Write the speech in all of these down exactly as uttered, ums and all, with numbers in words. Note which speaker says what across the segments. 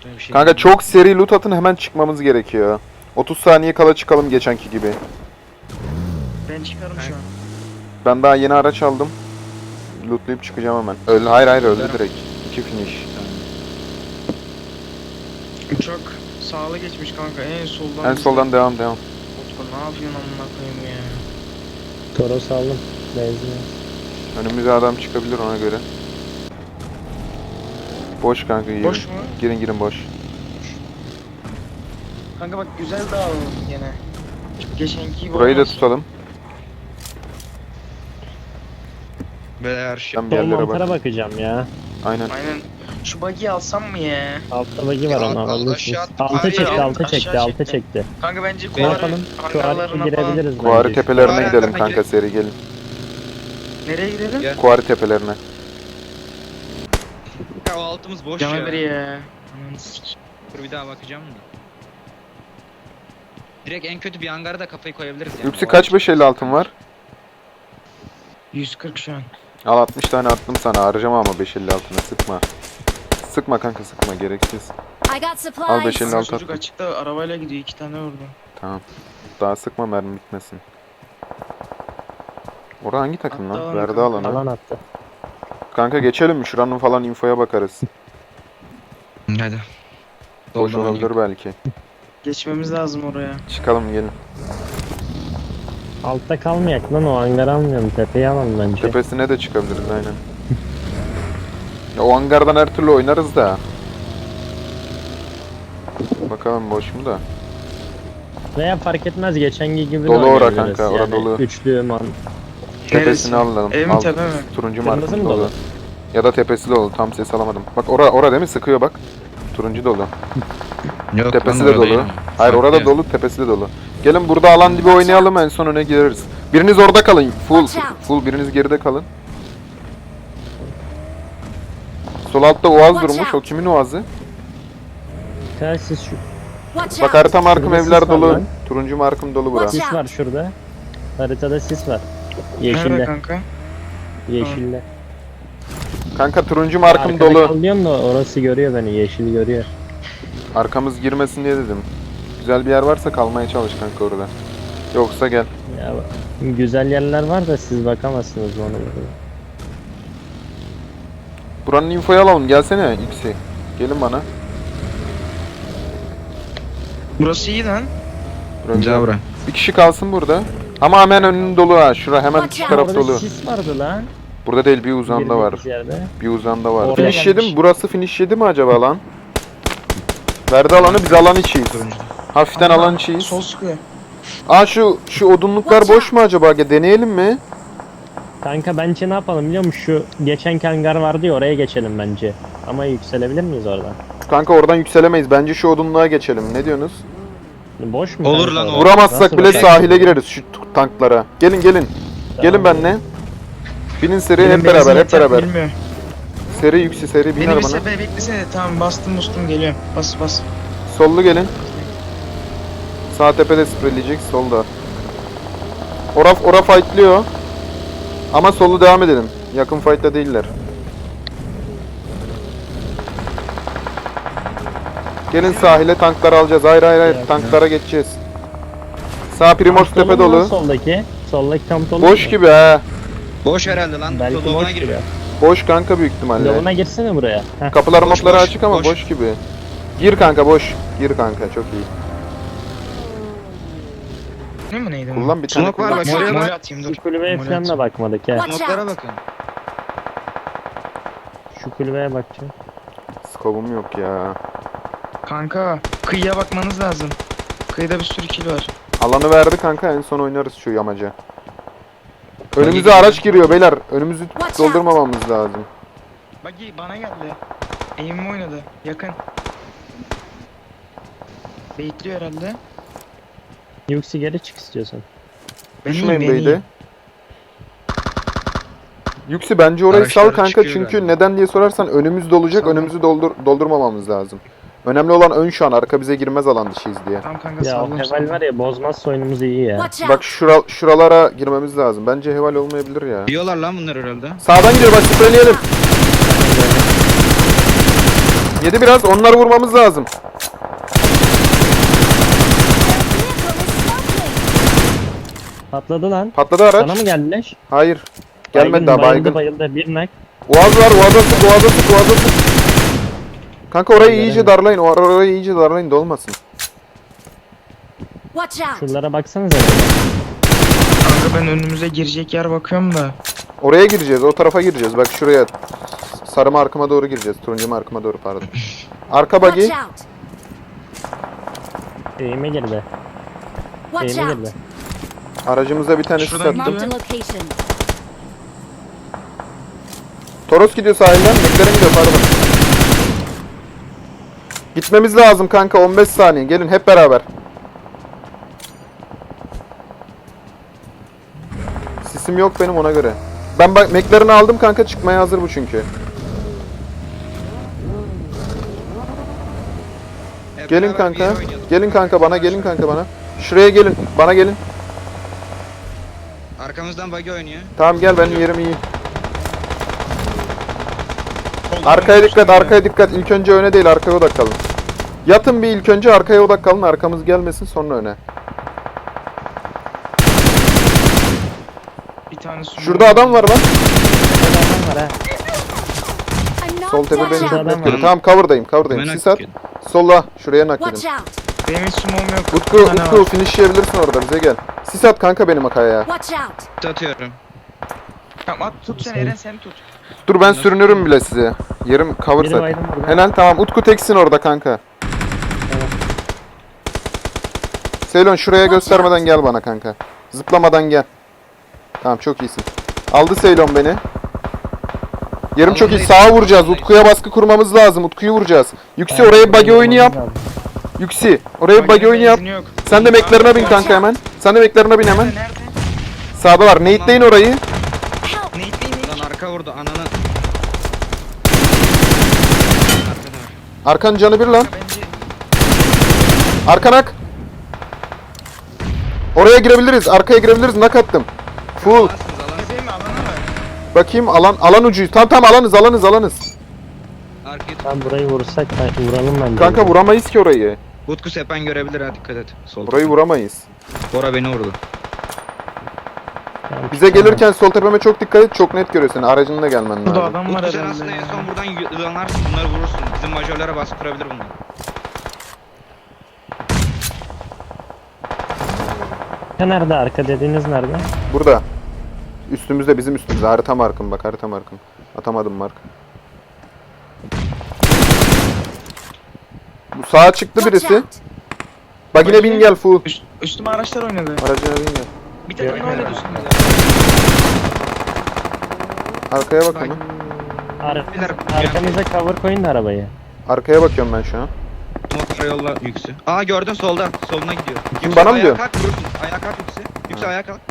Speaker 1: Bir şey
Speaker 2: Kanka çok seri loot atın, hemen çıkmamız gerekiyor. otuz saniye kala çıkalım geçenki gibi.
Speaker 3: Ben çıkarım şu an.
Speaker 2: Ben daha yeni araç aldım. Lootlayıp çıkacağım hemen. Öldü. Hayır hayır öldü direkt. İki finish.
Speaker 3: Uçak sağlı geçmiş kanka en soldan.
Speaker 2: En soldan devam devam.
Speaker 3: Utku ne yapıyorsun amına koyayım ya.
Speaker 4: Toros aldım. Benzin.
Speaker 2: Önümüze adam çıkabilir ona göre. Boş kanka girin.
Speaker 3: Boş mu?
Speaker 2: Girin girin boş.
Speaker 3: Kanka bak güzel dağılalım gene. Geçenki gibi
Speaker 2: Burayı da
Speaker 3: olmasın.
Speaker 2: tutalım.
Speaker 1: Böyle her şey.
Speaker 2: Ben bir
Speaker 4: Sol
Speaker 2: yerlere
Speaker 4: mantara
Speaker 2: bak.
Speaker 4: bakacağım ya.
Speaker 2: Aynen.
Speaker 3: Aynen. Şu buggy'i alsam mı ya?
Speaker 4: Altta bagi var
Speaker 1: Ya,
Speaker 4: onu
Speaker 1: al-
Speaker 4: alabilirsiniz.
Speaker 1: aşağı at-
Speaker 4: Altı
Speaker 3: Hayır,
Speaker 4: çekti,
Speaker 3: al-
Speaker 4: altı
Speaker 3: aşağı
Speaker 4: çekti, altı
Speaker 3: çekti.
Speaker 4: çekti.
Speaker 3: Kanka bence
Speaker 4: Ne
Speaker 3: kuarı
Speaker 4: yapalım? Şu araya
Speaker 3: hangarlarına falan.
Speaker 4: girebiliriz
Speaker 2: Kuari
Speaker 4: bence.
Speaker 2: tepelerine
Speaker 1: Kuari
Speaker 2: gidelim
Speaker 1: hangarına
Speaker 2: kanka
Speaker 1: girelim.
Speaker 2: seri gelin.
Speaker 3: Nereye gidelim?
Speaker 1: Gel.
Speaker 2: Kuari tepelerine.
Speaker 1: Ya o altımız boş
Speaker 3: Cana
Speaker 1: ya.
Speaker 3: biri ya. Ananı sik.
Speaker 1: Dur bir daha bakacağım da. Direkt en kötü bir hangara da kafayı koyabiliriz yani.
Speaker 2: Yüksek
Speaker 1: O
Speaker 2: kaç
Speaker 1: açık-
Speaker 2: beş elli altın var?
Speaker 3: yüz kırk şu an.
Speaker 2: Al altmış tane attım sana, harcama ama beş elli altına sıkma. Sıkma kanka sıkma, gereksiz.
Speaker 5: I got
Speaker 2: Al
Speaker 5: supplies.
Speaker 2: beş elli
Speaker 3: Kanka
Speaker 2: altı
Speaker 3: çocuk
Speaker 2: attım.
Speaker 3: açıkta arabayla gidiyor iki tane orada.
Speaker 2: Tamam. Daha sıkma, mermi bitmesin. Orada hangi takım
Speaker 3: Attı
Speaker 2: lan?
Speaker 3: alanı
Speaker 2: Verdi
Speaker 3: kanka.
Speaker 2: alanı.
Speaker 4: Alan attı.
Speaker 2: Kanka geçelim mi? Şuranın falan infoya bakarız.
Speaker 1: Hadi.
Speaker 2: Boş
Speaker 1: Doldu
Speaker 2: olabilir
Speaker 1: oynuyor.
Speaker 2: belki.
Speaker 3: Geçmemiz lazım oraya.
Speaker 2: Çıkalım gelin.
Speaker 4: Altta kalmayak lan, o hangarı almayalım. Tepeyi alalım bence.
Speaker 2: Tepesine de çıkabiliriz aynen. Ya, o hangardan her türlü oynarız da. Bakalım boş mu da.
Speaker 4: Veya fark etmez, geçenki gibi de
Speaker 2: Dolu ora
Speaker 4: oynayabiliriz.
Speaker 2: kanka, ora
Speaker 4: Yani
Speaker 2: dolu.
Speaker 4: Üçlü man.
Speaker 2: Tepesini alalım.
Speaker 3: Ev mi
Speaker 2: Al,
Speaker 3: tepe mi?
Speaker 2: turuncu
Speaker 4: Kırmızı
Speaker 2: markım
Speaker 4: mı
Speaker 2: dolu.
Speaker 4: dolu?
Speaker 2: Ya da tepesi dolu. Tam ses alamadım. Bak ora ora değil mi? Sıkıyor bak. Turuncu dolu.
Speaker 1: Yok,
Speaker 2: Tepesi
Speaker 1: lan
Speaker 2: de
Speaker 1: orada
Speaker 2: dolu.
Speaker 1: değil.
Speaker 2: Hayır
Speaker 1: Farklı
Speaker 2: orada
Speaker 1: yer.
Speaker 2: dolu, tepesi de dolu. Gelin burada alan dibi oynayalım, en son öne gireriz. Biriniz orada kalın. Full
Speaker 5: Watch out.
Speaker 2: full biriniz geride kalın. Sol altta Oğaz
Speaker 5: Watch
Speaker 2: durmuş. O
Speaker 5: out.
Speaker 2: kimin Oğaz'ı?
Speaker 4: Telsiz şu.
Speaker 5: Watch
Speaker 2: Bak
Speaker 5: out.
Speaker 2: harita markım
Speaker 4: Şurada
Speaker 2: evler
Speaker 4: sis var
Speaker 2: dolu.
Speaker 4: lan.
Speaker 2: Turuncu markım dolu bura.
Speaker 5: Watch
Speaker 4: Sis var şurada. Haritada sis var. Yeşille.
Speaker 3: Nerede kanka?
Speaker 4: Yeşille.
Speaker 2: Kanka turuncu markım
Speaker 4: Arkada
Speaker 2: dolu.
Speaker 4: kal diyorum da orası görüyor beni. Yeşil görüyor.
Speaker 2: Arkamız girmesin diye dedim. Güzel bir yer varsa kalmaya çalış kanka orada. Yoksa gel.
Speaker 4: Ya güzel yerler var da siz bakamazsınız ona.
Speaker 2: Buranın infoyu alalım. Gelsene X'i. Gelin bana.
Speaker 3: Burası iyi lan.
Speaker 2: Burası-
Speaker 1: Güzel bura.
Speaker 2: Bir kişi kalsın burada. Ama hemen önün dolu ha. Şura hemen
Speaker 5: Watch
Speaker 2: şu
Speaker 5: out.
Speaker 2: taraf
Speaker 4: Orada
Speaker 2: dolu.
Speaker 4: sis vardı lan.
Speaker 2: Burada değil, bir uzanda var.
Speaker 4: Girdiğimiz yerde.
Speaker 2: Bir uzanda var.
Speaker 4: Oraya
Speaker 2: Finish yedi
Speaker 4: gelmiş.
Speaker 2: mi? Burası finish yedi mi acaba lan? Verdi alanı, biz alan içiyiz. Hafiften
Speaker 3: Aha,
Speaker 2: alan içiyiz.
Speaker 3: Sol sıkıyor.
Speaker 2: Aa şu şu odunluklar
Speaker 5: Watch
Speaker 2: boş mu acaba? Ge- Deneyelim mi?
Speaker 4: Kanka bence ne yapalım biliyor musun? Şu geçen hangar vardı ya, oraya geçelim bence. Ama yükselebilir miyiz oradan?
Speaker 2: Kanka oradan yükselemeyiz. Bence şu odunluğa geçelim. Ne diyorsunuz?
Speaker 4: Boş mu?
Speaker 1: Olur
Speaker 4: kanka
Speaker 1: lan
Speaker 4: orası?
Speaker 1: o.
Speaker 2: Vuramazsak
Speaker 4: Nasıl
Speaker 2: bile
Speaker 4: boş?
Speaker 2: sahile gireriz şu t- tanklara. Gelin gelin. Gelin benimle. Binin seri hep
Speaker 3: Benim
Speaker 2: beraber
Speaker 3: benzin
Speaker 2: hep
Speaker 3: yeter,
Speaker 2: beraber.
Speaker 3: bilmiyorum.
Speaker 2: Seri yüksü seri bin
Speaker 3: Beni bir
Speaker 2: arabana.
Speaker 3: sefer beklesene. Tamam bastım bastım geliyorum. Bas bas.
Speaker 2: Sollu gelin. Sağ tepede spreyleyecek, solda. Ora, ora fightlıyor. Ama solu devam edelim. Yakın fight'ta değiller. Gelin sahile, tankları alacağız. Hayır hayır hayır,
Speaker 4: Yok,
Speaker 2: tanklara geçeceğiz. Sağ Primos
Speaker 4: Kamp
Speaker 2: tepe
Speaker 4: dolu mu lan
Speaker 2: dolu.
Speaker 4: Soldaki. Soldaki kamp dolu
Speaker 2: Boş
Speaker 4: mu?
Speaker 2: gibi ha.
Speaker 1: Boş herhalde lan.
Speaker 4: Belki
Speaker 1: Dolabına
Speaker 4: boş
Speaker 1: giriyor.
Speaker 4: gibi.
Speaker 2: Boş kanka büyük ihtimalle.
Speaker 4: Lavuna girsene buraya. Heh.
Speaker 2: Kapılar
Speaker 1: Boş,
Speaker 2: mapları
Speaker 1: boş,
Speaker 2: açık ama
Speaker 1: boş.
Speaker 2: boş gibi. Gir kanka boş. Gir kanka çok iyi.
Speaker 3: Ne mi neydi?
Speaker 2: Kullan bir tane
Speaker 1: Smoke var
Speaker 2: kullan.
Speaker 1: bak.
Speaker 5: Watch
Speaker 1: Oraya
Speaker 5: out.
Speaker 3: Mole
Speaker 1: bak.
Speaker 3: atayım dur.
Speaker 4: Şu kulübeye
Speaker 3: Mole
Speaker 4: falan da
Speaker 3: atayım.
Speaker 4: bakmadık ya.
Speaker 5: Watch
Speaker 1: Notlara
Speaker 5: out.
Speaker 1: bakın.
Speaker 4: Şu kulübeye bakacağım.
Speaker 2: Skobum yok ya.
Speaker 3: Kanka kıyıya bakmanız lazım. Kıyıda bir sürü kill var.
Speaker 2: Alanı verdi kanka, en son oynarız şu yamaca. Önümüze
Speaker 1: gidiyor.
Speaker 2: araç giriyor beyler. Önümüzü
Speaker 5: Watch
Speaker 2: doldurmamamız lazım.
Speaker 3: Bak iyi, bana geldi. Eğimim oynadı. Yakın. Bekliyor herhalde.
Speaker 4: Yuksi geri çık istiyorsan.
Speaker 3: Ben iyiyim
Speaker 2: Düşmeyin
Speaker 3: ben
Speaker 2: beyde.
Speaker 3: iyiyim.
Speaker 2: Yüksi bence orayı sal
Speaker 1: Araçlar
Speaker 2: kanka,
Speaker 1: çıkıyor
Speaker 2: çünkü
Speaker 1: galiba.
Speaker 2: neden diye sorarsan önümüz dolacak,
Speaker 3: Saldım.
Speaker 2: önümüzü doldur doldurmamamız lazım. Önemli olan ön şu an, arka bize girmez alan dışıyız diye.
Speaker 3: Tamam kanka
Speaker 4: Ya o
Speaker 3: saldım.
Speaker 4: Heval var ya, bozmazsa oyunumuz iyi ya.
Speaker 5: Watch
Speaker 2: Bak
Speaker 5: out.
Speaker 2: şura, şuralara girmemiz lazım. Bence heval olmayabilir ya.
Speaker 1: Diyorlar lan bunlar herhalde.
Speaker 2: Sağdan giriyor, bak spreyleyelim. Yedi biraz. Onları vurmamız lazım.
Speaker 4: Patladı lan.
Speaker 2: Patladı araç.
Speaker 4: Sana mı geldiler?
Speaker 2: Hayır. Gelmedi daha baygın.
Speaker 4: Bayıldı bayıldı. Bir nak.
Speaker 2: Uaz var. Uaz'a sık. Uaz'a sık. Uaz'a sık. Kanka orayı iyice darlayın. or- Orayı iyice darlayın da olmasın.
Speaker 5: Watch out!
Speaker 4: Şuralara baksanıza.
Speaker 3: Kanka ben önümüze girecek yer bakıyorum da.
Speaker 2: Oraya gireceğiz. O tarafa gireceğiz. Bak şuraya. Sarı markıma doğru gireceğiz. Turuncu markıma doğru pardon. Arka buggy.
Speaker 5: Watch out!
Speaker 4: Eğime girdi.
Speaker 5: Watch
Speaker 4: Eğime
Speaker 5: out!
Speaker 4: girdi.
Speaker 2: Aracımıza bir tane sis
Speaker 3: Şuradan
Speaker 2: attım.
Speaker 5: Marked a location.
Speaker 2: Toros gidiyor sahilden. McLaren gidiyor pardon. Gitmemiz lazım kanka. on beş saniye. Gelin hep beraber. Sisim yok benim ona göre. Ben bak McLaren'ı aldım kanka. Çıkmaya hazır bu çünkü.
Speaker 1: Hep
Speaker 2: Gelin
Speaker 1: beraber bir
Speaker 2: kanka.
Speaker 1: yere oynayalım.
Speaker 2: Gelin kanka bana. Gelin kanka bana. Şuraya gelin. Bana gelin.
Speaker 1: Arkamızdan buggy oynuyor.
Speaker 2: Tamam gel benim yerim iyi.
Speaker 3: Soldan
Speaker 2: Arkaya
Speaker 3: vurmuştum
Speaker 2: dikkat,
Speaker 3: ya.
Speaker 2: arkaya dikkat. İlk önce öne değil, arkaya odaklanın. Yatın bir ilk önce, arkaya odaklanın. Arkamız gelmesin, sonra öne.
Speaker 3: Bir tane su.
Speaker 2: Şurada adam var lan.
Speaker 4: Şurada adam var ha.
Speaker 5: I'm
Speaker 2: Sol
Speaker 5: knocked
Speaker 2: tepe beni
Speaker 5: down!
Speaker 4: Şurada adam
Speaker 2: net görüyor.
Speaker 1: var.
Speaker 2: Tamam cover'dayım, cover'dayım.
Speaker 1: Hemen
Speaker 2: Sis at.
Speaker 1: akıyor.
Speaker 2: Solla, şuraya nakledin.
Speaker 5: Watch out!
Speaker 3: Benim hiç sumom yok.
Speaker 2: Utku,
Speaker 3: Bir tane
Speaker 2: Utku
Speaker 3: var.
Speaker 2: finishleyebilirsin orada, bize gel. Sis at kanka benim akaya.
Speaker 5: Watch out!
Speaker 1: Atıyorum.
Speaker 3: Tamam at tut sen Eren sen tut.
Speaker 2: Dur ben sürünürüm bile size. Yerim cover
Speaker 4: Biri
Speaker 2: zaten.
Speaker 4: baydım burada.
Speaker 2: Helal tamam, Utku teksin orada kanka. Seylon şuraya göstermeden gel bana kanka. Zıplamadan gel. Tamam çok iyisin. Aldı Seylon beni. Yerim çok iyi.
Speaker 1: Alandayız.
Speaker 2: Sağa vuracağız.
Speaker 1: Alandayız.
Speaker 2: Utku'ya baskı kurmamız lazım. Utku'yu vuracağız. Yüksi oraya buggy oyunu yap. Yüksi oraya buggy oyunu yap.
Speaker 3: Benzin yok.
Speaker 2: Sen de McLaren'a bin kanka hemen. Sen de McLaren'a bin hemen.
Speaker 3: Nerede? Nerede?
Speaker 2: Sağda var. Nate'leyin orayı.
Speaker 5: Help!
Speaker 3: Ne itleyin
Speaker 1: Lan arka vurdu ananı. Arkada var.
Speaker 2: Arkan canı bir lan.
Speaker 3: Bence
Speaker 2: Arkanak. Oraya girebiliriz. Arkaya girebiliriz. Nak attım. Full.
Speaker 1: Alansınız alansınız.
Speaker 3: tepeye mi alana mı?
Speaker 2: Bakayım alan alan ucuyuz. Tam tam alanız alanız alanız.
Speaker 1: Arkayı tut.
Speaker 4: Tam burayı vursak ben- vuralım bence.
Speaker 2: Kanka vuramayız ki orayı.
Speaker 1: Utku Sepen görebilir ha dikkat et. Sol.
Speaker 2: Orayı vuramayız.
Speaker 1: Bora beni vurdu.
Speaker 4: Tamam,
Speaker 2: Bize
Speaker 4: tamam.
Speaker 2: gelirken sol tepeme çok dikkat et. Çok net görüyor seni. Aracınla gelmen
Speaker 3: Burada
Speaker 2: lazım.
Speaker 3: adam var
Speaker 1: Utku sen
Speaker 3: herhalde.
Speaker 1: aslında en
Speaker 3: ya.
Speaker 1: son buradan yıllanarsın bunları vurursun. Bizim majörlere baskı kurabilir bunlar.
Speaker 4: Arka nerede? Arka dediğiniz nerede?
Speaker 2: Burada. Üstümüzde bizim üstümüzde. Harita markım bak harita markım. Atamadım mark. Bu sağa çıktı
Speaker 5: Watch
Speaker 2: birisi.
Speaker 5: out!
Speaker 2: Bak yine bin gel full.
Speaker 3: Üst, üstüme araçlar oynadı.
Speaker 2: Aracına bin gel.
Speaker 3: Bir tane
Speaker 4: Yok,
Speaker 3: oynadı
Speaker 4: yok.
Speaker 3: üstümüze.
Speaker 2: Arkaya bak hemen.
Speaker 4: Ar
Speaker 1: Beyler,
Speaker 4: arkamıza cover koyun da arabayı.
Speaker 2: Arkaya bakıyorum ben şu an.
Speaker 1: Motor yolla yüksü. Aa gördün solda. Soluna gidiyor. Yüksü,
Speaker 2: bana mı
Speaker 1: ayağa
Speaker 2: diyor?
Speaker 1: kalk vurursun. Ayağa kalk yüksü. Yüksü ayağa kalk.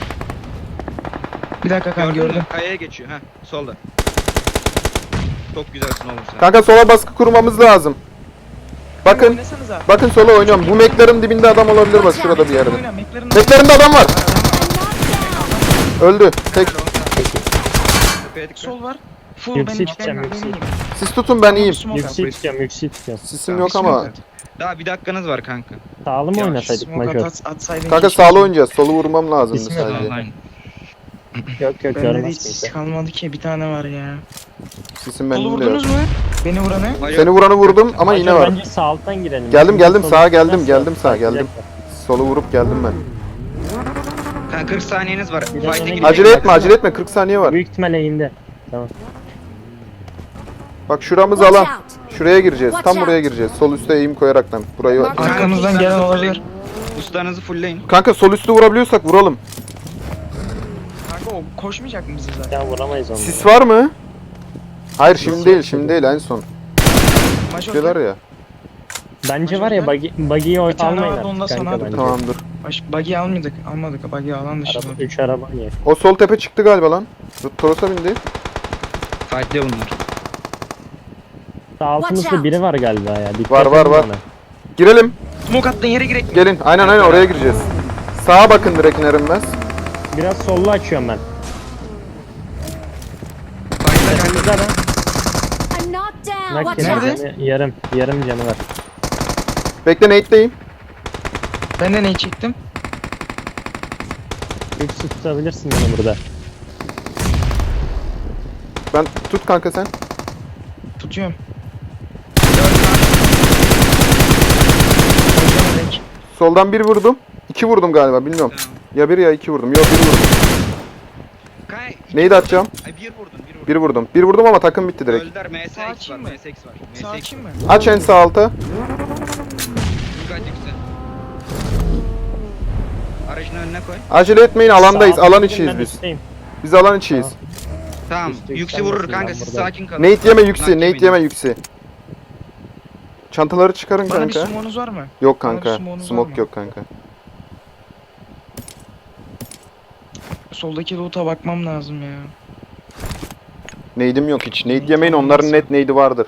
Speaker 3: Bir dakika kanka
Speaker 1: Gördün
Speaker 3: gördüm.
Speaker 1: mü? Kayaya geçiyor. Heh solda. Çok güzelsin oğlum sen.
Speaker 2: Kanka sola baskı kurmamız lazım. Bakın.
Speaker 3: Oynasanıza.
Speaker 2: Bakın sola oynuyorum. Bu McLaren dibinde adam olabilir bak şurada bir yerde.
Speaker 3: Oyna, McLaren'ın-
Speaker 2: McLaren'da adam var.
Speaker 5: I'm knocked down!
Speaker 2: Öldü. Tek.
Speaker 1: Helal olsun sana. Tepeye dikkat.
Speaker 3: Sol var. Full
Speaker 4: Yüksek
Speaker 3: ben
Speaker 4: gideceğim,
Speaker 3: ben-
Speaker 4: yüksek.
Speaker 3: ben-
Speaker 2: Siz tutun ben iyiyim.
Speaker 3: Smoke at.
Speaker 4: Yüksek tutuyorum, yüksek tutuyorum.
Speaker 2: Sisim
Speaker 1: Tamam,
Speaker 2: yok ama.
Speaker 3: Smoke at.
Speaker 1: Daha bir dakikanız var kanka.
Speaker 4: Sağlı mı
Speaker 3: Ya,
Speaker 4: oynasaydık
Speaker 3: smoke at,
Speaker 4: majör?
Speaker 3: at- atsaydın
Speaker 2: Kanka
Speaker 3: keşke.
Speaker 2: sağlı oynayacağız. Solu vurmam lazımdı
Speaker 4: İsmi
Speaker 2: sadece.
Speaker 1: Online.
Speaker 4: Yok yok
Speaker 3: Bende de
Speaker 4: görmez
Speaker 3: hiç
Speaker 4: kimse.
Speaker 3: kalmadı ki bir tane var ya.
Speaker 2: Sisim
Speaker 3: Kolu
Speaker 2: benim de yok.
Speaker 3: vurdunuz mu? Beni vuranı.
Speaker 1: Majör-
Speaker 2: Seni vuranı vurdum ama
Speaker 4: Majör
Speaker 2: yine var.
Speaker 4: Bence sağ alttan girelim.
Speaker 2: Geldim,
Speaker 4: Şimdi
Speaker 2: geldim,
Speaker 4: sol
Speaker 2: sağa
Speaker 4: alttan
Speaker 2: geldim,
Speaker 4: sağ-
Speaker 2: geldim, sağa geldim.
Speaker 4: atlayacaklar.
Speaker 2: Solu vurup geldim ben.
Speaker 1: Kanka kırk saniyeniz var.
Speaker 4: Biraz
Speaker 1: Fight'e
Speaker 4: öne
Speaker 1: girin.
Speaker 2: Acele etme, acele etme. kırk saniye var.
Speaker 4: Büyük ihtimalle eğimde. Tamam.
Speaker 2: Bak şuramız
Speaker 5: Watch
Speaker 2: alan.
Speaker 5: out!
Speaker 2: Şuraya gireceğiz.
Speaker 5: Watch
Speaker 2: Tam
Speaker 5: out.
Speaker 2: buraya gireceğiz. Sol üstte eğim koyaraktan. Burayı
Speaker 5: Kanka,
Speaker 3: Arkamızdan gelen olabilir.
Speaker 1: Uslarınızı fullleyin.
Speaker 2: Kanka sol üstü vurabiliyorsak vuralım.
Speaker 3: Kanka o koşmayacak mı bize zaten?
Speaker 4: Ya vuramayız onu.
Speaker 2: Sis var mı? Hayır şimdi değil, şimdi değil en son.
Speaker 3: Major
Speaker 2: Diyorlar ya.
Speaker 4: Bence var ya buggy, buggy'yi oy-
Speaker 3: Bir tane
Speaker 4: almayın
Speaker 3: vardı, onu da
Speaker 4: artık
Speaker 3: sana
Speaker 4: kanka
Speaker 3: aldım.
Speaker 4: bence.
Speaker 2: Tamamdır.
Speaker 3: Baş, buggy almadık. Almadık. Buggy alan dışında.
Speaker 4: Araba, üç araba ye.
Speaker 2: O sol tepe çıktı galiba lan. Toros'a bindi.
Speaker 1: Fight'le bunlar.
Speaker 4: Sağ altımızda biri var galiba ya. Dikkat
Speaker 2: Var, var,
Speaker 4: edin
Speaker 2: var.
Speaker 4: ona.
Speaker 2: Girelim.
Speaker 3: Smoke attığın yere girek.
Speaker 2: Gelin. Aynen aynen oraya gireceğiz. Sağa bakın direkt inerilmez.
Speaker 4: Biraz sollu açıyorum ben.
Speaker 1: Fight'le kanka.
Speaker 4: Tepemizde adam.
Speaker 5: I'm knocked down!
Speaker 4: Nak
Speaker 5: Watch
Speaker 4: yedi,
Speaker 3: out.
Speaker 4: canı- yarım, yarım canı var.
Speaker 2: Bekle nate'deyim.
Speaker 3: Ben de neyi çektim?
Speaker 4: Yüksü tutabilirsin beni burada.
Speaker 2: Ben tut kanka sen.
Speaker 3: Tutuyorum. Hocam direkt.
Speaker 2: Soldan bir vurdum. İki vurdum galiba bilmiyorum.
Speaker 1: Tamam.
Speaker 2: Ya bir ya iki vurdum. Yok bir vurdum.
Speaker 1: Kanka, iki
Speaker 2: Neyi de
Speaker 1: vurdun.
Speaker 2: atacağım?
Speaker 1: Ay bir vurdun, bir vurdun.
Speaker 2: Bir vurdum. Bir vurdum ama takım bitti direkt.
Speaker 1: Öldüler, M S X var,
Speaker 3: Sakin mi?
Speaker 1: M S X var. M
Speaker 3: Sağ
Speaker 1: S X
Speaker 3: açayım mı?
Speaker 2: Aç en sağ alta.
Speaker 1: Dikkat yüksel. Aracın önüne koy.
Speaker 2: Acele etmeyin alandayız.
Speaker 4: Sağ
Speaker 2: Alan
Speaker 4: olun,
Speaker 2: içiyiz
Speaker 4: ben
Speaker 2: biz.
Speaker 4: üstteyim.
Speaker 2: Biz alan içiyiz.
Speaker 1: Tamam.
Speaker 4: Üstü
Speaker 1: Yüksü
Speaker 4: yükselmesin
Speaker 1: vurur kanka,
Speaker 4: ben
Speaker 1: siz
Speaker 4: burada.
Speaker 1: sakin kalın.
Speaker 2: Nate yeme yüksi.
Speaker 1: Nak
Speaker 2: Nate
Speaker 1: yemeyin.
Speaker 2: yeme yüksi. Çantaları çıkarın
Speaker 3: Bana bir
Speaker 2: kanka.
Speaker 3: sumonuz var mı?
Speaker 2: Yok
Speaker 3: Bana bir
Speaker 2: kanka.
Speaker 3: smoke'unuz var
Speaker 2: Smoke
Speaker 3: mı?
Speaker 2: yok kanka.
Speaker 3: Soldaki loot'a bakmam lazım ya.
Speaker 2: Nade'im yok hiç. Nade yemeyin onların net nade'i vardır.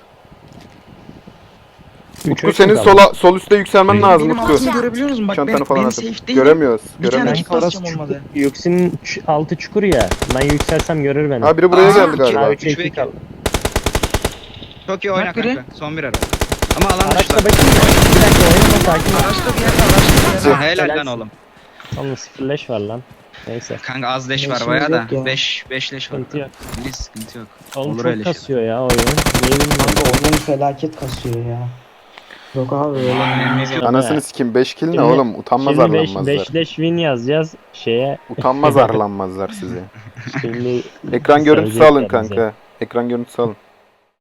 Speaker 4: Üç
Speaker 2: Utku
Speaker 4: ölçüm
Speaker 2: senin
Speaker 4: kaldı.
Speaker 2: sola sol üstte yükselmen lazım
Speaker 3: Benim
Speaker 2: Utku.
Speaker 3: altımı görebiliyor musun? Bak
Speaker 2: Çantanı
Speaker 3: ben,
Speaker 2: falan
Speaker 3: benim
Speaker 2: atıp.
Speaker 3: safe değil.
Speaker 2: Göremiyoruz.
Speaker 3: Bir tane
Speaker 2: Göremiyoruz.
Speaker 3: kit basacağım olmadı.
Speaker 4: Yüksün ç- altı çukur ya. Ben yükselsem görür beni.
Speaker 2: Ha biri buraya
Speaker 1: Aa,
Speaker 2: geldi
Speaker 1: iki-
Speaker 2: galiba.
Speaker 4: Üçe
Speaker 1: üç
Speaker 4: iki
Speaker 1: ve iki.
Speaker 4: kaldı.
Speaker 1: Çok iyi oyna
Speaker 3: Nak biri.
Speaker 1: kanka. Son bir ara. Ama alan
Speaker 4: Araçla
Speaker 1: dışlar.
Speaker 4: bakayım mı? Bir dakika oynama sakin ol.
Speaker 3: Araçta bir yerde araçta bir yerde.
Speaker 1: Ha, helal lan
Speaker 4: Helalsin.
Speaker 1: oğlum.
Speaker 4: Yalnız flash var lan. Neyse.
Speaker 1: Kanka az leş var
Speaker 6: Leşimiz
Speaker 1: baya da.
Speaker 6: yok ya.
Speaker 1: beş beş leş var.
Speaker 4: Sıkıntı yok.
Speaker 1: Hiç sıkıntı yok.
Speaker 4: Oğlum
Speaker 1: Olur
Speaker 4: çok
Speaker 1: öyle şey.
Speaker 4: kasıyor ya oyun. Niye bilmiyorum.
Speaker 6: Kanka oyun felaket kasıyor ya. Yok abi öyle.
Speaker 4: Yok
Speaker 2: Anasını
Speaker 4: ya.
Speaker 2: sikim beş kill ne
Speaker 4: Şimdi-
Speaker 2: oğlum utanmaz
Speaker 4: Şimdi beş,
Speaker 2: arlanmazlar.
Speaker 4: beşleş win yazacağız şeye.
Speaker 2: Utanmaz arlanmazlar size.
Speaker 4: Şimdi
Speaker 2: Ekran görüntüsü
Speaker 4: Söyleyecekler
Speaker 2: alın
Speaker 4: bize.
Speaker 2: kanka. Ekran görüntüsü alın.